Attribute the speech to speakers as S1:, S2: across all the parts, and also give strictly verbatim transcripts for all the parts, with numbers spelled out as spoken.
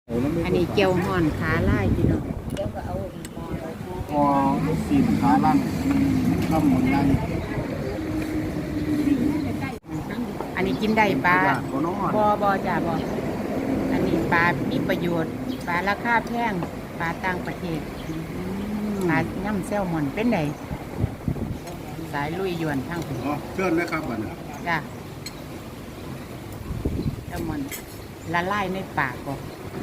S1: อันนี้เจียวห่อนขาไล่พี่น้อง
S2: พอสีขาล่างข้ามหมดได้
S1: อันนี้กินได้ปลา
S2: ตัวน้อง
S1: บอบอจ่าบออันนี้ปลามีประโยชน์ปลาราคาแพงปลาต่างประเทศปลาย่ำแซลมอนเป็นไงสายลุยยวนทั้ง
S2: อ๋อเชิญเลยครับบัดนี้
S1: จ้าแซลมอนละลายในปากบอก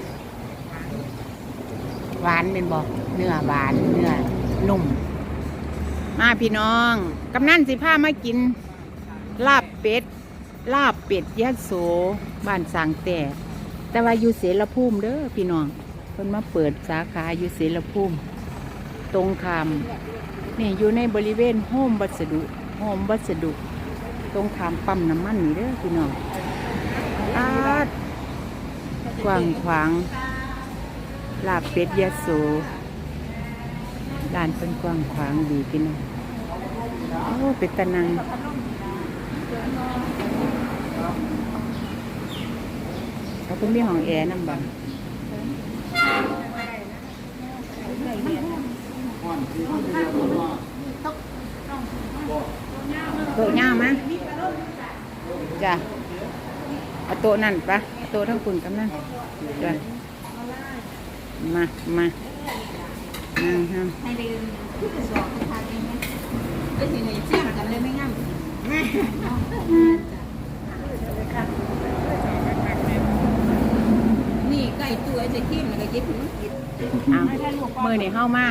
S1: หวานเป็นบอกเนื้อหวานเนื้อนุ่มมาพี่น้องกำนันสิผ้ามากินลาบเป็ดลาบเป็ดยะโสบ้านสางแต่แต่ว่าอยู่เสรภูมิเด้อพี่น้องเพิ่นมาเปิดสาขาอยู่เสรภูมิตรงคามนี่อยู่ในบริเวณโฮมวัสดุโฮมวัสดุตรงคามปั๊มน้ำมันนี่เด้อพี่น้องอาดกว้างขวางลาบเป็ดยะโสร้านเป็นกว้างขวางดีพี่น้องโอ้เป็ดตะนังเขาเป็นมีห้องแอร์น้ำบังโต๊ะย่ามั้ยจ้ะเอาโต๊ะนั่นปะเอาโต๊ะทั้งคุณกับนั่นจ้ะมา มานั่งทำให้ลืมสอบทานเองไหมไอ้สิ่งนี้เชี่ยงกันเลยไม่งั้นนี่ไก่ตัวจะขี้มันก็เก็บถึงกินอ้าวมือนี่เข้ามา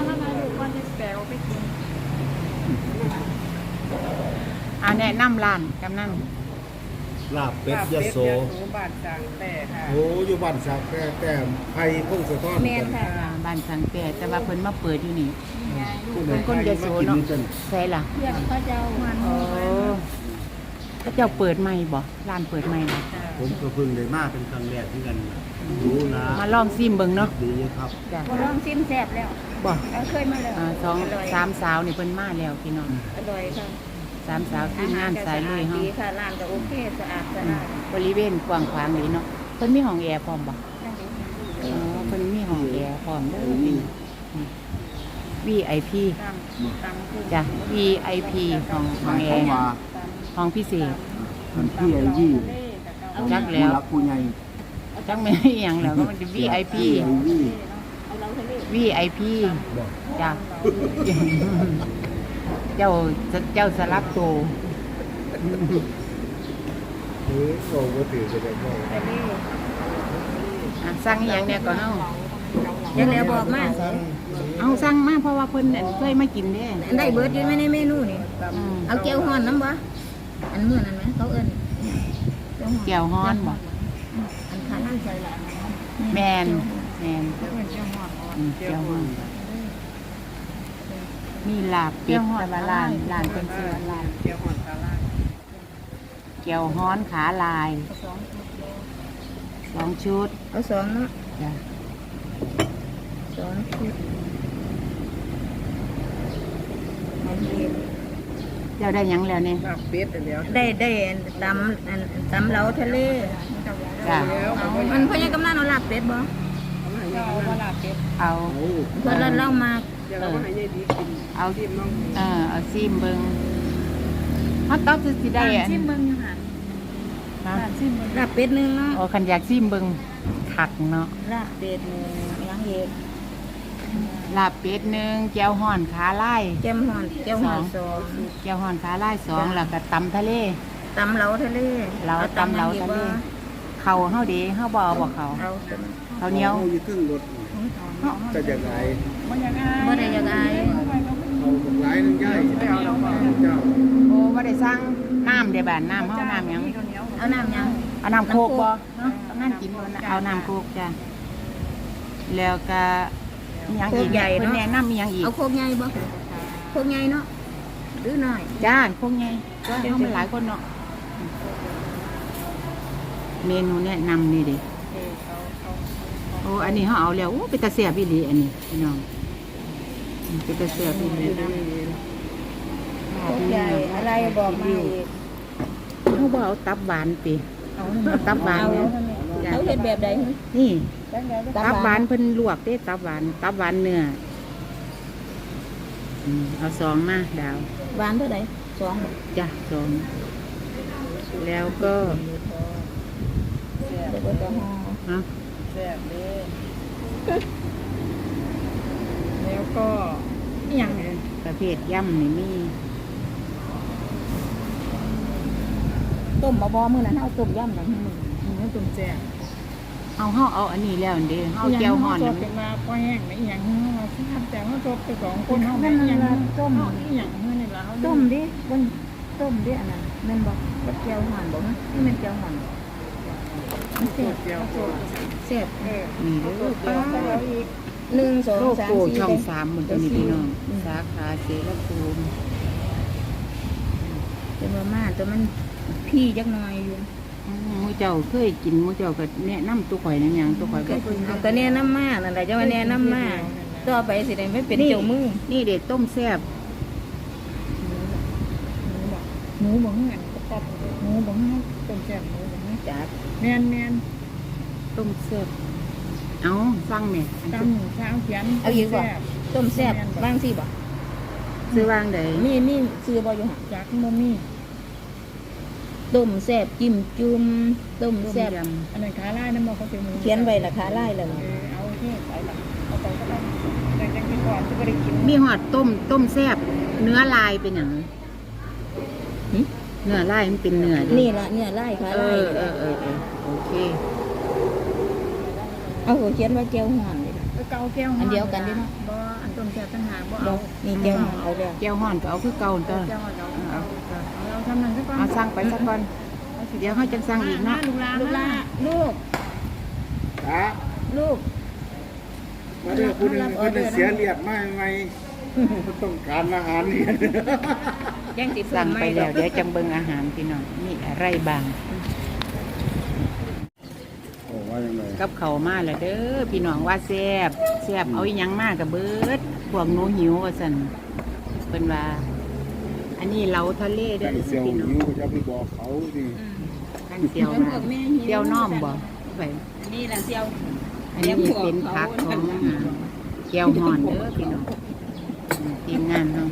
S1: เอาแนะนำร้านกำนัน
S2: ลาบเป็ดยะโส
S3: บ้านจางแต่ค่ะ
S2: โอ้อยู่บ้านสักแต่แต่ไผ่พงสะท้อน
S1: แม่นค่ะบ้านสังแก่แต่ว่าเพิ่นมาเปิดอยู่นี่เป็นคนยะโสเนาะใช่ล่ะ
S3: เพื่อนเขาเจ้ามัน
S1: โอ้เขาเจ้าเปิดใหม่บ่ร้านเปิดใหม่บ่
S2: ผมก็เพิ่งได้มาเป็นครั้งแรกที่กันรู้นะ
S1: มาลองซิมเบิ่งเนาะ
S2: ดีครับ
S1: จ้ะ
S3: พอลองซิมแซ่บแล้ว
S2: บ่
S3: เราเคยมาแล้ว
S1: อ่าสองสามสาวนี่เพิ่นมาแล้วพี่น้อง
S3: อร่อยค่ะ
S1: สามสาวที่งานสายลุยเฮา
S3: ดีค่ะร้านก็โอเคสะอาดสะอาด
S1: บริเวณกว้างขวางนี่เนาะเพิ่นมีห้องแอร์พร้อมบ่อ๋อเพิ่นมีห้องแอร์พร้อมเด้อพี่ วี ไอ พี
S3: ตำตำคือ
S1: จ้ะ วี ไอ พี ห้องห้องแอ
S2: เข้า
S1: ร์
S2: มา
S1: ห้องพิเศษ
S2: มันพี่ไอ้ยี่
S1: จักแล้ว
S2: ผู้รักผู้ใหญ่
S1: จังไม่อหย่างแล้วก็มันจะ วี ไอ พี
S2: ไอ้ยี่
S3: เอาเราทะเล
S1: วี ไอ พี
S2: บ่
S1: จ้ะ เจ้าเจ้าสลับตัว
S2: เออโอ้บ่ถือจะได้บ่
S3: ทะเล
S1: อ่ะสั่งอหย่างเนี่ยก่อนเฮา
S3: ยังแล้วบอกมา
S1: เอาสั่งมาเพราะว่าเพิ่นนั่นเคยมากินเด้
S3: ได้เบิร์ดอยู่ไหมในเมนูนี่
S1: อืม
S3: เอาแก้วฮ้อนน้ำบ่อันเมื่อนั้นไหมเขาเอิ้น
S1: แก้วฮ้อนบ่
S3: อันขานั่งใส่ละ
S1: แมนแมน
S3: เขาเอิ้นแก้วฮ้อน
S1: อืมแก้วฮ้อนมีลาบเป็ดแต่ว่าร้านร้านเป็นชื่อว่าร้าน
S3: แก้วฮ้อนตาลา
S1: แก้วฮ้อนขาลายสองชุด
S3: เอาสองเนาะ
S1: จ้ะ
S3: สองชุดอันนี้
S1: เจ้าได้หยังแล้วเนี่ย
S3: ลาบเป็ดเดียวได้ได้ตำอันตำเหลาทะเล
S1: จ้ะ
S3: มันพ่อยังกำลังเอาลาบเป็ดบ่
S1: เอา
S3: เพื่อนเราเล่ามา
S1: เออเอาเออเอาซิมเบิงฮอตต๊อกคือสิได้อัน
S3: ซิมเบิ้งอยู่ค่ะ
S1: ฮะ
S3: ลาบเป็ดหนึงเนาะ
S1: โอ้คันอยากซิมเบิงขักเนาะ
S3: ลาบเป็ดหนึงยังเห็ด
S1: ลาบเป็ดหนึ่งแก้วห่อนขาลาย
S3: แก้มห่อนแก้วห่อนสอง
S1: แก้วห่อนขาลายสองแล้วก็ตำทะเล
S3: ตำเหลาทะเล
S1: เหลาตำเหลาทะเล เขาเฮาดีเฮาบ่เอาบ่เขา
S3: เอา
S1: เขาวเหนียว
S2: อาอยู่ครึ่งรถจะยังไง
S3: บ่ได้ยังไง
S2: เอาบักหลายนึงย่ายเจ้า
S1: โอ้บ่ได้สั่งน้ำเด้บ้านน้ำเฮาน้ำหยัง
S3: เอาน้ำยัง
S1: เอาน้ำโคกบ่เนาะเอาน้ำกินบ่นะเอาน้ำโคกจ้ะแล้วก็มีหยังอีกเนี่ยเพิ่นแนะนำมีหยังอีก
S3: เอาโคกใหญ่บ่โคกใหญ่เนาะหรือน้อย
S1: จ้าโคกใหญ่ก็เฮามันหลายคนเนาะเมนูแนะนำนี่ดิโอ้อันนี้เฮาเอาแล้วโอ้เป็นตาแซ่บอีหลีอันนี้พี่น้องอืมเป็นตาแซ่บอีหลี
S3: โคกใหญ่อะไรบอกมาอีก
S1: เฮาบ่เอาตับหวานติเอาตับหวานเนี่ย
S3: เขาเฮ็ดแบบใด
S1: นี่
S3: ก็
S1: ตับหวานเพิ่นลวกเด้ตับหวานตับหวานเนื้ออืมเอาสองมาดาว
S3: หวานเท่าไหร่สอง
S1: จ้ะสองแล้วก็
S3: เดี๋ยวก็จะห่อ
S1: ฮะ
S2: แซ่บเลยแล้วก็อหย่างเงี้ย
S1: ประเภทย่ำนี่มี
S3: ต้มบะบอมื้อนั้นเอาต้มยำนั่นมื้อ
S2: อืมตุ่มแซ่บ
S1: เอาเฮาเอาอันนี้แล้วเด้เฮาแก้วห่อน
S2: ส
S1: นั่
S2: ด
S1: น
S2: เป็นมาป้อแห้งไม่อหย่างเงี้ยทราบแต่ว่าสดไปสองคนเขาไม่อหย่างต้มอหย่างเงี้ยนี่ละเขา
S3: ต้มดิบนต้มดิอันนั้นแม่นบ่กับแก้วห่อนบ่ฮะนี่มันแก้วห่อนมันแซ่บ
S2: เจียวสด
S3: แซ่บ
S2: เออ
S1: นี่เด้อ
S2: แล้
S1: ป้าว
S2: ก็อีก
S3: หนึ่งสอง
S1: โล
S3: สาม
S1: โก้
S3: สี่
S1: ช่อง
S3: เด้
S1: สามหมดตัวนี้พี่น้องสาขาเสรภูมิ
S3: เป็นว่ามาแต่มันพี่จักหน่อยอยู่
S1: อืมหมูเจ้าเคยกินหมูเจ้าก็แนะนำตัวข่อยนั่นหยังตัวข่อยบ่เคย
S3: เอาก็แนะนำมานั่นแหละจะว่าแนะนำมาต่อไปสิได้ไม่เป็นเจ้ามือ
S1: นี่เด็ดต้มแซ่บ
S2: หมูบ่เงี้ยก็ปอบหมูบ่เงี้ยต้มแซ่บหมูบ่เงี้ย
S3: จัด
S2: แมนแมน
S1: ต้มแซ่บเอาสั่งแม่อัน
S2: ตำเช้าเขียน
S3: เอาอีกบ่ต้มแซ่บบ้างสิบ่
S1: ซื้อวางใด
S3: มีมีซื้อบ่อยู่หั่น
S2: จากโมมี่
S3: ต้มแซ่บจิ้มจุ่มต้ม
S1: ต้ม
S3: แซ่บ
S1: ย
S2: อันนั้นขาไล่นั่นบอกเขาเป็นหมู
S3: เขียนไว้ราคาไล่แล้ว
S2: เอ
S3: นี่
S2: อเอาเท่ไปละเอาไปก็ได้แต่ยังกินก่อนจะไม่ได้กิน
S1: ำมีหอดต้มต้มแซ่บเนื้อลายเป็นหยังเนื้อลายมันเป็นเนื้อเด้
S3: นี่ล่ะเนี่ยไล่ขา
S1: เอ
S3: ไล่
S1: อเออเออเออโอเค
S3: เอาเขียนว่าแก้วห่อนเลย
S2: เกาแก้วบ่อันต้มแซ่บตั้งหากบ่
S3: บ่
S2: เอา
S3: นี่แก้วห่อนเอาแล้ว
S1: แก้วห่อนก็เอาคือเก่าตัว
S2: แก้วเราเอาเราทำนั่นซะก่อน
S1: เอาสั่งไปสักก่อนเดี๋ยวเขาจะสั่งอีกเนาะ
S2: ลูกหลาน
S3: ลูกล่าลูก
S2: จ้า
S3: ลูก
S2: มาเด้อคุณคุณเสียเรียบมากไงต้องการอาหารนี่
S3: แจ้งสิ
S1: สั่งไปแล้วเดี๋ยวจังเบิ่งอาหารพี่น้องนี่อะไรบาง
S2: โอ้ว่ายังไง
S1: กับเขาวมาแล้วเด้อพี่น้องว่าแซ่บแซ่บเอาอีหยังมากกับเบิดพวกหนูหิวว่าซั่นเพิ่นว่า อันนี้เหลาทะเลเด้อ
S2: เสียว
S1: พี่น้อง
S2: นิ้วจะไปบอกเขาดิ
S1: กันเซียวมาเซียวน้อมบ่ไป
S3: นี่แหละเซียว
S1: อันนี้เป็นผักของอาหารแก้วห่อนเด้อพี่น้องทีมงานเนาะ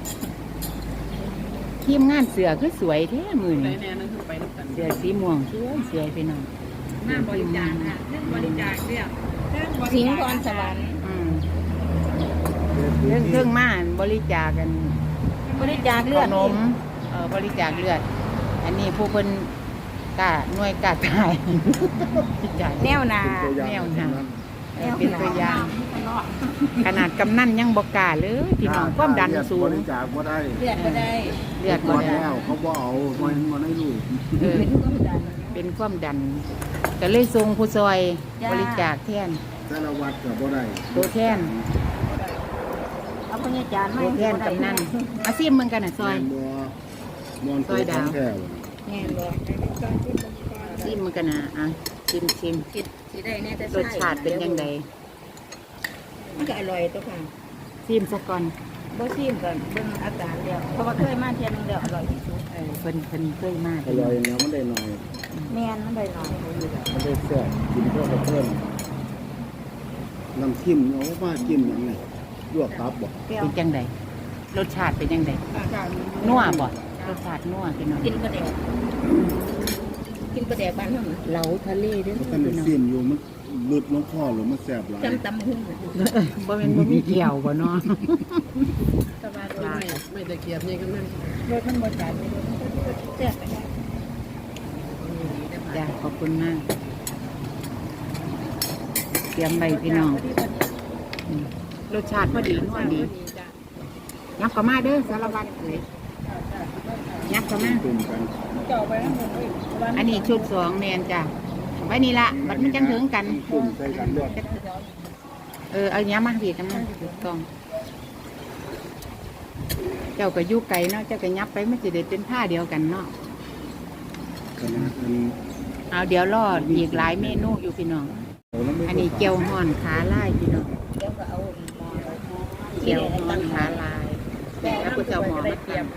S1: ทีมงานเสือคือสวยแท้มือนี่เสือสีม่วงสวยสวยพี่น้อง
S2: มาบริจาคค่ะเรื่องบริจาคเรียก
S3: สิงห์พรสวรรค์
S1: อืมเรื่องเครื่องมาบริจาคกัน
S3: บริจาคเลือ
S1: ข
S3: ด
S1: นมเอ่อบริจาคเลือด อันนี้ผู้เพิ่นกล้าหน่วยกล้าตายบริจาค
S3: แนวนา
S1: แนวทางเออเป็นตัวอย่าง ขนาดกำนันยังบอกกล้าเลยพี่น้องความดันสู
S2: บ
S1: ง
S2: ริจาคบ่ได้
S3: เลือดก็ได้
S1: เลือด
S2: หม
S1: บ่
S2: ด
S1: ได้
S2: แล้วเขาบ่เอามันมันให้ลูก
S1: เออ
S3: เป็นความดัน
S1: เป็นความดันก็เลยส่งผู้ซอย
S3: จ้า
S1: บริจาคแทน
S2: แต่ละวัดก็บ่ได้
S1: ตัวแทน
S3: เอาพญาจารย์มา
S1: ตัวแทนกำนันอาซีมมึงกันน่ะซอย
S2: บ่มอน
S1: ซอยดาว
S2: แท้
S3: แน่บ่
S1: ซีมมึงกันน่ะอ่ะชิมชิม
S3: คิดสิได้แน่แต่
S1: รสชาติเป็นยังไง
S3: มันก็อร่อยตัวค่ะ
S1: ซีมซะก่อน
S3: บ่ชิมก่อนเบิ่งอาการแล้วเพราะว่าเคยมาเที่ยวนึงแล้วอร่อยที่สุด
S1: เออเพิ่นเพิ่นเคยมาก
S2: อร่อยแล้วมันได้หน่อย
S3: แม่นมันได้หน่อย
S2: มันได้แซ่บกินเพื่อกับเพิ่มน้ำจิ้มเอามาจิ้มหยังไงลวกตับบ่
S3: เปรี้ยว
S1: เป็นจังไดรสชาติเป็นยังไงนัวบ่รสชาตินัวพี่น้อง
S3: กินปลาแดกกินปลาแดกบ้านเฮาน่ะ
S1: เหลาทะเลเด้อ
S2: มัน
S1: พี่น้อง
S2: ซิมอยู่มันหลุดลงคอหรือมันแซ่บหลาย
S3: จำตำหุ่ง
S1: บ่แม่นบ่มีเกี่ยวบ่เนาะ
S3: สบายเลย
S2: ไม่ได้เกียบนี่กันนั่น
S3: รสมันบ่จัดแซ่บไปได้
S1: จ้ะขอบคุณมากเตรียมไว้พี่น้องอืมรสชาติพอดีนัวดียับเข้ามาเด้อสารวัตรเลยยับเข้ามา
S2: ตุ่มกัน
S3: เจ้าไปนำเลย
S1: อันนี้ชุดสองแมนจ้ะไว้นี่ละบัดมันจังถึงกัน
S2: ตุ่มใส่กันด้วย
S1: เออเอาเนี้ยมาพี่กันมาถูกต้อง เจ้าก็อยู่ไกลเนาะเจ้าก็ยับไปมันจะได้เป็นผ้าเดียวกันเนาะ
S2: ขนาดนั้น
S1: เอาเดี๋ยวรอดอีกหลายเมนูอยู่พี่น้อง
S2: เอาแล้วไม่
S1: อันนี้เกี๊ยวห่อนขาลายพี่น้อง
S3: เดี๋ยวก็เอาหม้อ
S1: เกี๊ยวห่อนขาลายแล้วก็จะเอาหมอมาทำ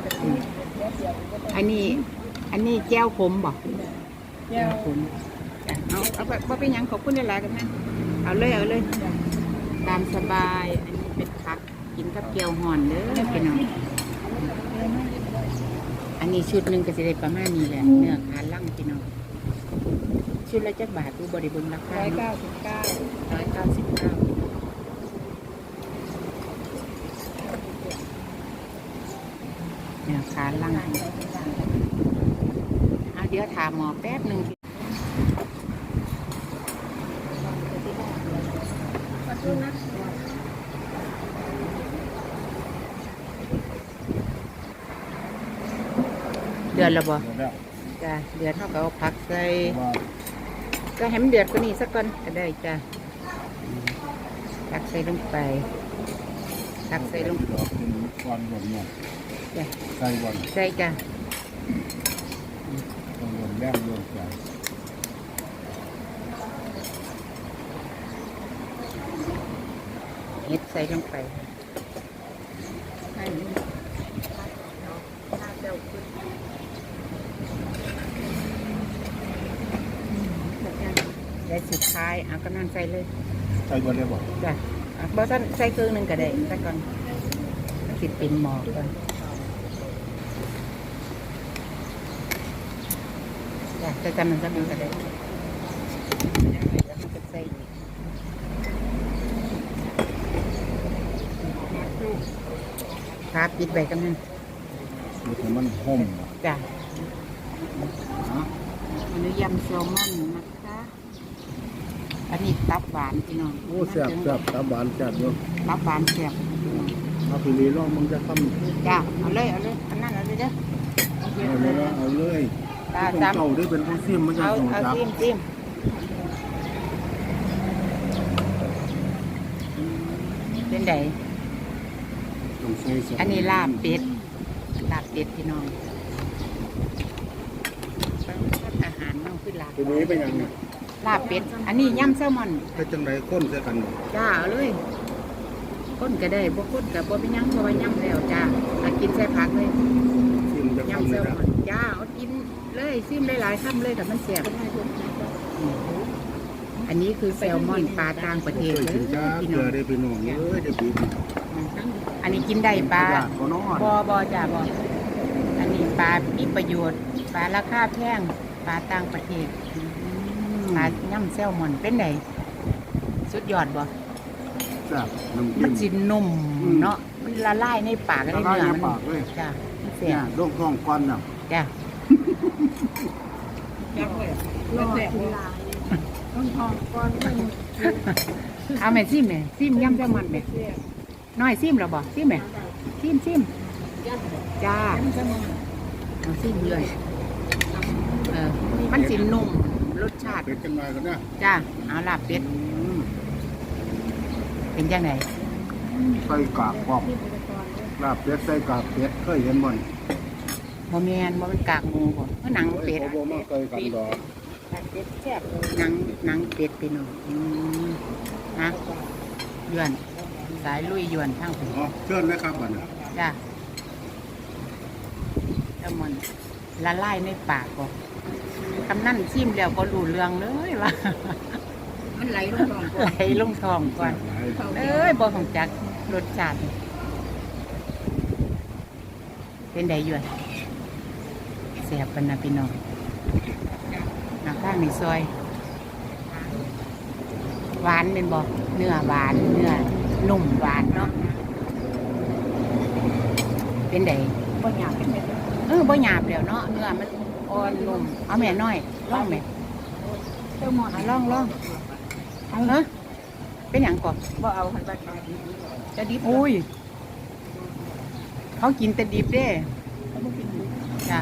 S1: อันนี้ อันนี้แก้วขมบอกแก้วขมจ้ะเอาเอาไปบ่เป็นหยังขอบคุณหลายๆกันนะเอาเลยเอาเลยตามสบายอันนี้เป็นผักกินกับเกี๊ยวห่อนเด้อพี่น้องอันนี้ชุดหนึ่งก็จะได้ประมาณนี้แหละเนื้อขาล่างพี่น้องชุดละจักบาทดูบริบูรณ์ราคา
S3: ร้อยเก้าสิบเก้า
S1: ร้อยเก้าสิบเก้าเนื้อขาล่างเอาเดี๋ยวถามหมอแป๊บหนึ่งเดือนละบ่
S2: หมดแล้ว
S1: จ้ะเดือนเท่ากับเอาผักใส่
S2: ว่า
S1: ก็ให้มันเดือดกว่านี้สักก่อนก็ได้จ้ะตักใส่ลงไปตักใส่ลง
S2: ดอกเป็นก้อนรวมเนี่ย
S1: จ้ะ
S2: ใส่บอล
S1: ใส่จ้ะ
S2: ต้องรวมแรงรวมใจ
S1: เห็ดใส่ลงไปได้สุดท้ายเอากำนันใส่เลย
S2: ใส่บอลเลยบอก
S1: จ้ะอ่ะบ่ท่านใส่เครื่องหนึ่งก็ได้สักก่อนติดเป็นหมอกก่อนจ้ะจะจำมันจำมันก็ได้แล้วมันก็ใส่อีกครับปิดใบกำนัน
S2: มันให้มันห่ม
S1: จ้ะ
S2: นะ
S1: อันนี้ยำแซลมอนนะคะ อันนี้ตับหวานพี่น้อง
S2: โอ้แซ่บแซ่บตาบานแซ่บเนาะ
S1: ตับหวานแซ่บพี่น้อง
S2: เอาไปรีลองมึงจะทำ
S1: จ้ะเอาเลยเอาเลยอันนั้นเอาเลยเด้อ
S2: เอาเลยนะเอาเลย
S1: ตา
S2: ต้อง
S1: จำ
S2: เจ้าได้เป็นผู้ซิมมันจะ
S1: เอา
S2: ส่ง
S1: เอา
S2: จับ
S1: จิ้มจิ้มเป็นได
S2: ต้องใส่ส
S1: อันนี้ลาบเป็ดลาบเป็ดพี่น้องอาหารน้องคือลาบ
S2: ทีนี้เป็นยังไง
S1: ลาบเป็ดอันนี้ยำแซลมอน
S2: เป็นจังไรข้นใส่กันบ่
S1: จ้าเอาเลยก้นก็ได้บ่ก้นกับบ่เป็นหยังเพราะว่าย่ำแล้วจ้าอากินใส่ผักเลย
S2: ซิมจะ
S1: ยำ
S2: ทำ
S1: แซ
S2: เลย
S1: ล
S2: นะ
S1: มอนจ้าเอากินเลยซิมหลายๆคำเลยแต่มันแซ่บอันนี้คือแซลมอนปลาต่างประเทศ
S2: เคย
S1: เล
S2: กิ
S1: ย
S2: นจ้า
S1: พี่
S2: เก
S1: น้
S2: ลื
S1: อ
S2: อง ได้ไปน้องเอ้ยเดี๋ยวปีนี้
S1: อันนี้กินได้ปลา
S2: ญาติบ่นอน
S1: บอบอจ้าบออันนี้ปลามีประโยชน์ปลาราคาแพงปลาต่างประเทศปลาย่ำแซลมอนเป็นไงสุดยอดบ่
S2: แซ่บน้ำ
S1: มั
S2: จิ้
S1: น
S2: ม
S1: สินุ่ม
S2: อืม
S1: เนาะมันละลายในปากเลย
S2: ละลาย
S1: เนื้อ
S2: ใน
S1: มัน
S2: ปากเลย
S1: จ้ามันแซ่
S2: เนี่ย
S1: บ
S2: โรคท้องควันน่ะ
S1: จ้า
S3: รอดทีลายต้องทองก้อนหนึ่ง
S1: เอาแม่ซิมแม่ซิมย่ำแซลมอนแม่น้อยซิมเหรอบ่ซิมแม่ซิมซิมจ้าเอาซิมเลยเออมันสินุ่มรสชาติ
S2: เป็นจังไรกันนะ
S1: จ้าเอาลาบเป็ด
S2: อืม
S1: เป็นยังไง
S2: ใส่กากพร้อมลาบเป็ดใส่กากเป็ดเคยเห็นบ่นี่
S1: บ่แมนบ่เป็นกากหมูบ่เพราะหนังเป็ด
S2: เขาบอกมาเคยกันดอก
S1: เป็ดแซ่บหนังหนังเป็ดพี่น้องอืมนะยวนสายลุยยวนทั้งผม
S2: อ๋อเชิญนะครับบัดนี้
S1: จ้าแซลมอนละลายในปากบ่คำนั่นซิมแล้วก็รู้เรื่องเลยว่า
S3: มันไหลลงก่อน
S1: ไหลลงท้องก่อน เอ้ยบ่ของจักรสชาติเป็นไดอยู่แซ่บปานนะพี่น้องน้ำข้างในซอย หวานเป็นบ่เนื้อหวานเนื้อนุ่มหวานเนาะเป็นได
S3: บ่อยากเป็นแบบ
S1: เออบ่หยาบแล้วเนาะเนื้อมันอ่อนนุ่มเอาแม่น้อยลองแม่
S3: เจ้าหมอน
S1: เอาลองลองเอาเหรอเป็นหยังก่อน
S3: บ่เอาหันไปจะดิบ
S1: อุ้ย เขากินแต่ดิบเด้จ้ะ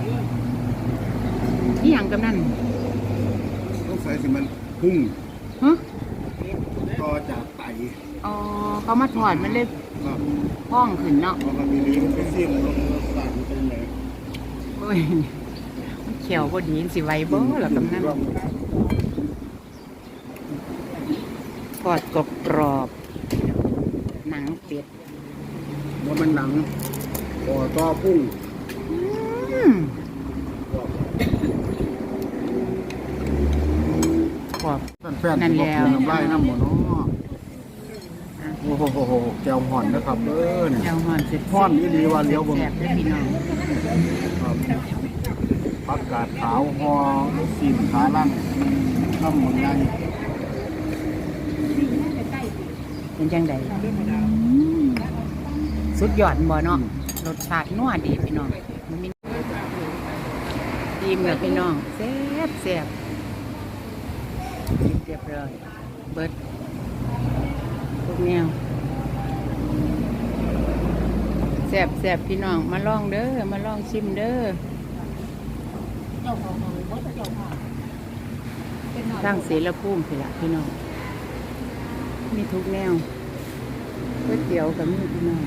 S1: นี่หยังกำนัน
S2: ต้องใส่สิมันพุ่ง
S1: ฮะ
S2: ต่อจากไต
S1: อ๋อเขามาถอดมันเลย
S2: ครับ
S1: พ้องขึ้นเนาะ
S2: เพราะมันมีลิ้นเป็นเสียงลงรสชาติมันเป็นไง
S1: โอ้ยมันเขียวพอดีสิไหวบ่ล่ะกำนันทอดกรอบกรอบๆหนังเป็ด
S2: ว่ามันหนังต่อต่อพุ่ง
S1: อืมขอบ
S2: แฟนๆ
S1: นั่น
S2: ที่
S1: แล้
S2: บอก
S1: ว
S2: คือน้ำลายน้ำหมดเนาะ
S1: อ่ะ
S2: โอ้โหแก้วห่อนนะครับเด้อเนี่ย
S1: เจ้าห่อนเสร็จ
S2: ห่อนอีหลีว่าเลี้ยวเบิ่ง
S1: แซ่บได้อพี่น้อง
S2: ครับผักกาดขาวห่อซีนขาลั่งน้ำมันใหญ่
S1: เป็นจังไดสุดยอดบ่เนาะรสชาตินัวดีพี่น้องมันมีดีเหมือนพี่น้องแซ่บแซ่บเรียบร้อยเบิดทุกแนวแซ่บแซ่บพี่น้องมาลองเด้อมาลองชิมเด้อตั้งเสรภูมิพี่ละพี่น้องมีทุกแนวก๋วยเตี๋ยวกับมีพี่น้อง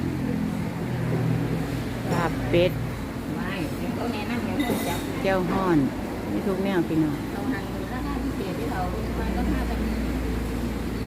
S1: ลาบเป็ดแก้วฮ้อนมีทุกแนวพี่น้อง
S3: เราหันราคาพิเศษที่เรามันก็ค่าไป